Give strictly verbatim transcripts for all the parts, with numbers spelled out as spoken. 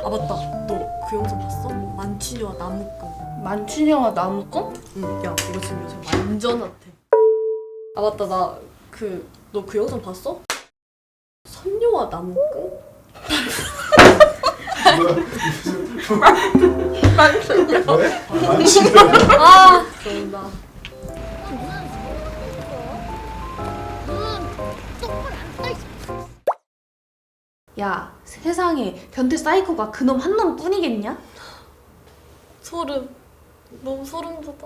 아 맞다, 너 그 영상 봤어? 만취녀와 나무꾼. 만취녀와 나무꾼? 응, 야 이거 지금 요즘 완전 핫해. 아 맞다, 나 그 너 그 영상 봤어? 선녀와 나무꾼? 만취녀. 왜? 만취녀? 아 그런다. 야, 세상에 변태 사이코가 그놈 한 놈뿐이겠냐? 소름. 너무 소름 돋아.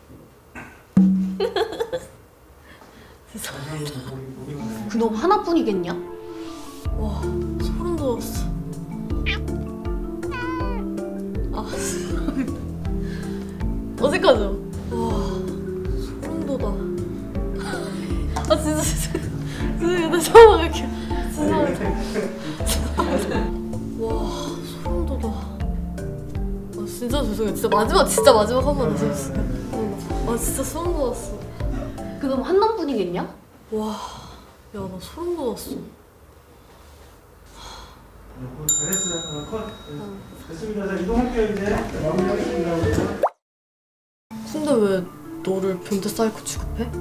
그놈 하나뿐이겠냐? 와 소름 돋았어. 아 어색하죠? 와 소름 돋아. 아 진짜 진짜 진짜 나 처음 할게. 진짜 와 소름 돋아. 아 진짜 죄송해요. 진짜 마지막 진짜 마지막 한 번 다시 해주세요. 아 진짜 소름 돋았어. 그놈 한 놈뿐이겠냐? 와 야 나 소름 돋았어. 잘했어요. 어, 컷. 됐습니다. 자, 이동할게요 이제. 마무리하겠습니다. 근데 왜 너를 변태 사이코 취급해? 아,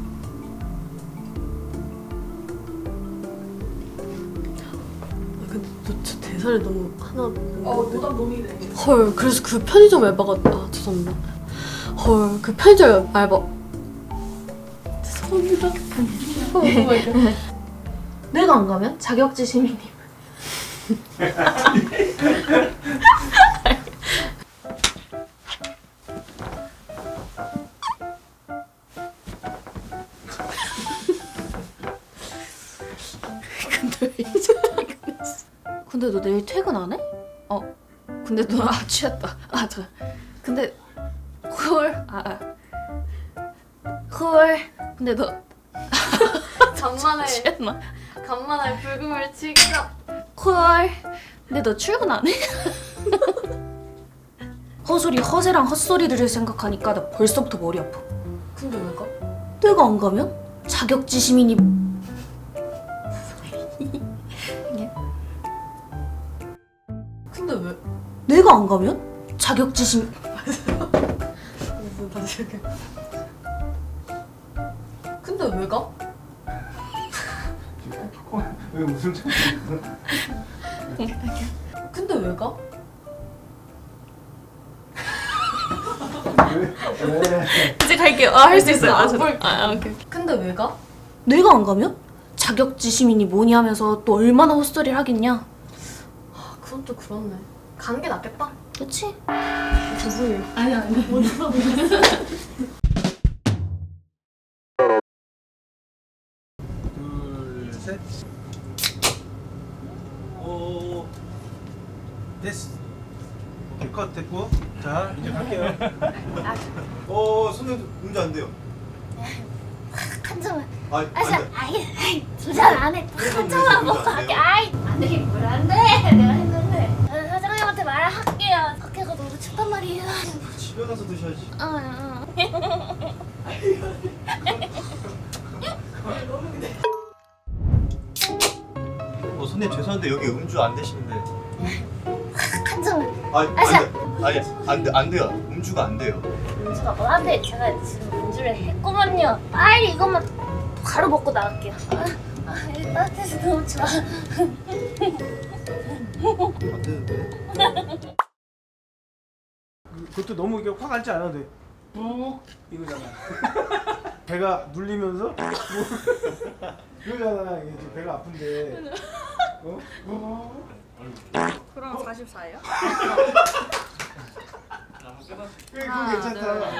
근데 너 진짜 대사를 너무 하나. 어, 노답 놈이네. 헐, 그래서 그 편의점 알바가 아 죄송합니다. 헐, 그 편의점 알바. 죄송합니다. 내가 안 가면 자격지 시민님. 근데 왜 이제 퇴근했어? 근데 너 내일 퇴근 안 해? 어. 근데 너 아 취했다. 아 저. 근데 헐. 아. 아. 헐. 근데 너 간만에 취했나? 간만에 불금을 칠까? 헐. 근데 너 출근 안 해? 허소리 허세랑 헛소리들을 생각하니까 나 벌써부터 머리 아파. 근데 왜 가? 내가 안 가면 자격지 시민이 근데 왜? 내가 안 가면 자격지 시민 무슨 다시 이렇게. 근데 왜 가? 왜 웃음 참고 근데 왜 가? 왜? 왜? 이제 갈게요. 아 할 수 있어요. 안 아, 볼게. 아, 아 오케이. 근데 왜 가? 내가 안 가면 자격지 시민이 뭐니 하면서 또 얼마나 헛소리를 하겠냐. 아 그건 또 그렇네. 가는 게 낫겠다. 그치? 죄송해요. 아니 아니. 둘, 셋. 오, 됐어. 오케이, 컷 됐고. 자, 이제 갈게요. 어, 손에 문제 안 돼요. 한 점만. 아, 안 아, 자, 돼. 아이, 아이, 두잔 안에 한 점만 먹고 갈게. 아이, 안 되긴 뭘 안 돼. 내가 했는데. 아, 사장님한테 말할게요. 밖에가 너무 춥단 말이에요. 집에 가서 드셔야지. 어, 어. 어, 손님 죄송한데 여기 음주 안 되시는데. 한 점만. 아니, 아, 자. 안 돼. 아니, 안 돼, 안 돼요. 음주가 안 돼요. 음주가 뭐한데 제가 지금 음주를 했구먼요. 빨리 이것만 바로 먹고 나갈게요. 아, 아, 이 따뜻해서 너무 좋아. 안 되는데. 그것도 너무 이게 확 앉지 않아도 돼. 무 이거잖아. 배가 눌리면서 이거잖아. 이게 지금 배가 아픈데. 어? 무. 그럼 사십사예요? 그게 그거 괜찮다.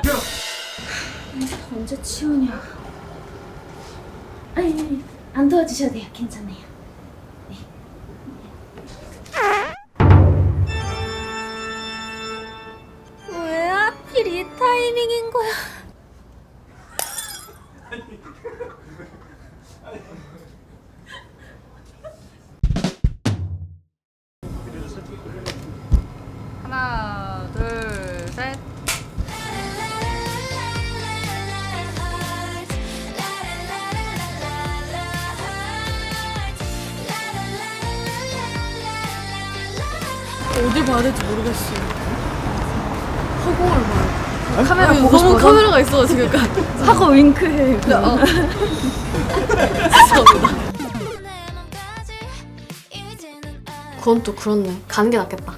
언제 치우냐? 아니, 아니, 안 도와주셔도 돼요. 괜찮아요. 왜 하필 이 타이밍인 거야? 하나, 둘, 셋. 어딜 봐야 될지 모르겠어. 허공을 봐요. 카메라 아니, 보고 너무 싶어서? 카메라가 있어가지고 약간 하고 윙크해. 어. 그건 또 그렇네. 가는 게 낫겠다.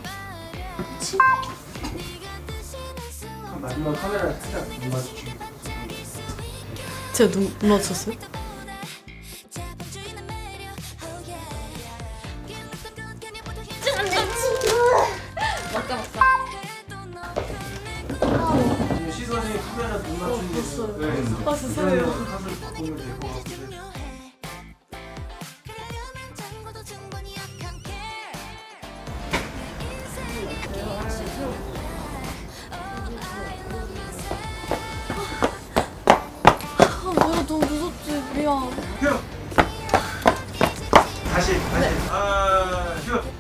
마지막 카메라 살짝 못 맞추고. 제가 눈, 눈 맞췄어요? 맞다 맞다. 지금 시선이 카메라 못 맞추는 게 있어요. 네. 아, 죄송해요. 컷을 바꾸면 될 것 같은데. 아, 뭐야, 너무 무섭지. 미안. 휴. 다시 다시. 아 휴.